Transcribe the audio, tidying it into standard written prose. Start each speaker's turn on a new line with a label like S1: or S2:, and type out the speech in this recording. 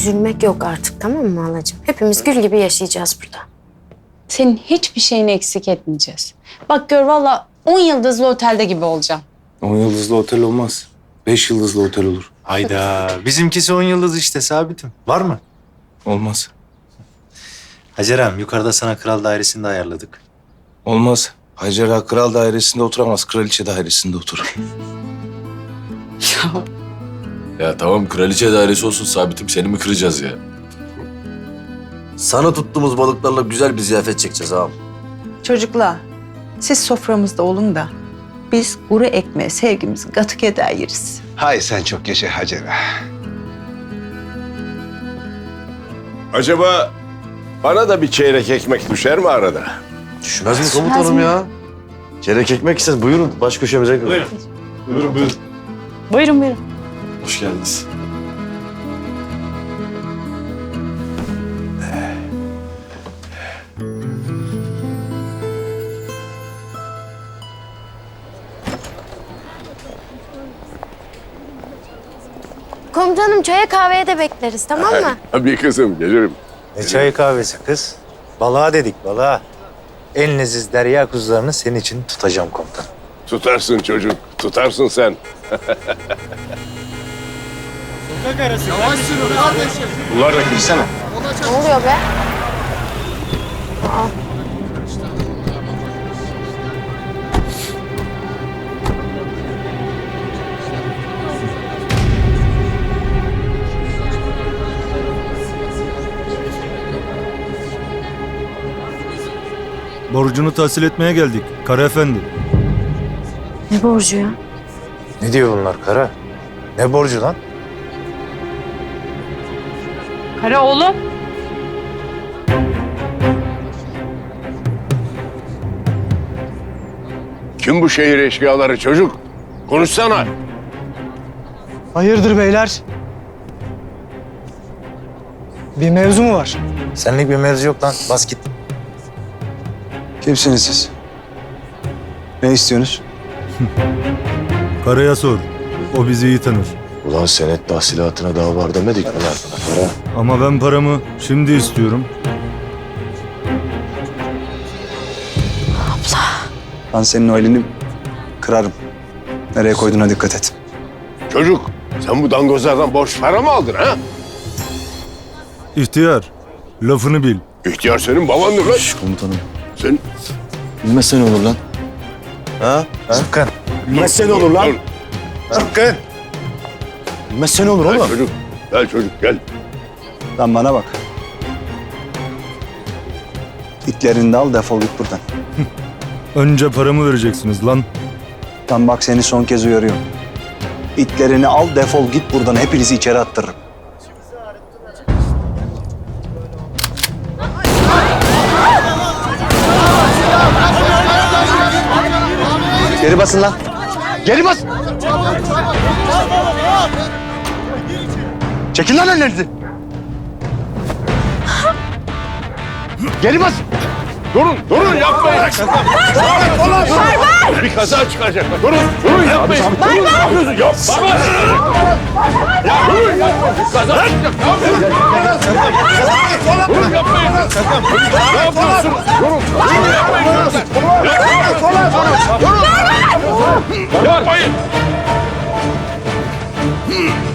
S1: üzülmek yok artık, tamam mı halacığım? Hepimiz gül gibi yaşayacağız burada.
S2: Senin hiçbir şeyini eksik etmeyeceğiz. Bak gör valla 10 yıldızlı otelde gibi olacağım.
S3: 10 yıldızlı otel olmaz. 5 yıldızlı otel olur.
S4: Hayda. Bizimkisi 10 yıldız işte Sabit'im. Var mı?
S3: Olmaz.
S4: Hacerem yukarıda sana kral dairesini de ayarladık.
S3: Olmaz. Hacer Ağa kral dairesinde oturamaz. Kraliçe dairesinde oturur.
S5: Ya tamam kraliçe dairesi olsun Sabit'im, seni mi kıracağız ya?
S6: Sana tuttuğumuz balıklarla güzel bir ziyafet çekeceğiz ağam.
S7: Çocuklar, siz soframızda olun da biz kuru ekmeğe sevgimizi katık eder yeriz.
S8: Hay sen çok yaşa Hacer Ağa.
S9: Acaba bana da bir çeyrek ekmek düşer mi arada?
S6: Düşmez mi komutanım ya? Çeyrek ekmek isteriz. Buyurun baş köşemize gidelim.
S9: Buyurun buyurun.
S2: Buyurun buyurun.
S5: Hoş geldiniz.
S1: Komutanım çaya kahveye de bekleriz, tamam mı?
S9: Tabii kızım gelirim.
S4: Ne çay kahvesi kız? Balığa dedik balığa. En leziz derya kuzularını senin için tutacağım komutan.
S9: Tutarsın çocuk, tutarsın sen. Bunlar da girsene.
S1: Ne oluyor be?
S10: Borcunu tahsil etmeye geldik Kara Efendi.
S1: Ne borcu ya?
S4: Ne diyor bunlar Kara? Ne borcu lan?
S2: Kara oğlum.
S9: Kim bu şehir eşkıyaları çocuk? Konuşsana.
S11: Hayırdır beyler? Bir mevzu mu var?
S4: Senlik bir mevzu yok lan. Bas git.
S8: Kimsiniz siz? Ne istiyorsunuz?
S10: Kara'ya sor. O bizi iyi tanır.
S5: Ulan senet tahsilatına daha var demedik mi lan? Para.
S10: Ama ben paramı şimdi istiyorum.
S8: Ben senin o elini kırarım. Nereye koyduğuna dikkat et.
S9: Çocuk, sen bu dangozlardan borç para mı aldın ha?
S10: İhtiyar, lafını bil.
S9: İhtiyar senin babandır lan.
S6: Komutanım.
S9: Sen...
S6: Bilmezsen olur lan. Ha?
S4: Sıkkın.
S6: Bilmezsen olur lan.
S9: Dur.
S4: Sıkkın.
S6: Bilmezsen olur
S9: Gel
S6: oğlum.
S9: çocuk, gel çocuk gel.
S8: Lan bana bak. İtlerini de al defol git buradan.
S10: Önce paramı vereceksiniz lan.
S8: Lan bak seni son kez uyarıyorum. İtlerini al defol git buradan. Hepinizi içeri attırırım.
S6: Geri basın lan. Geri bas. Çekin lan ellerinizi. Geri bas.
S9: Durun yapmayın. Bir kaza çıkacak. Durun yapmayın. Durun, ne yapıyorsun? Yapma. Ya durun yapmayın. Bir kaza çıkacak. Durun yapmayın. Ne yapıyorsun? Durun yapmayın. Yapmayın.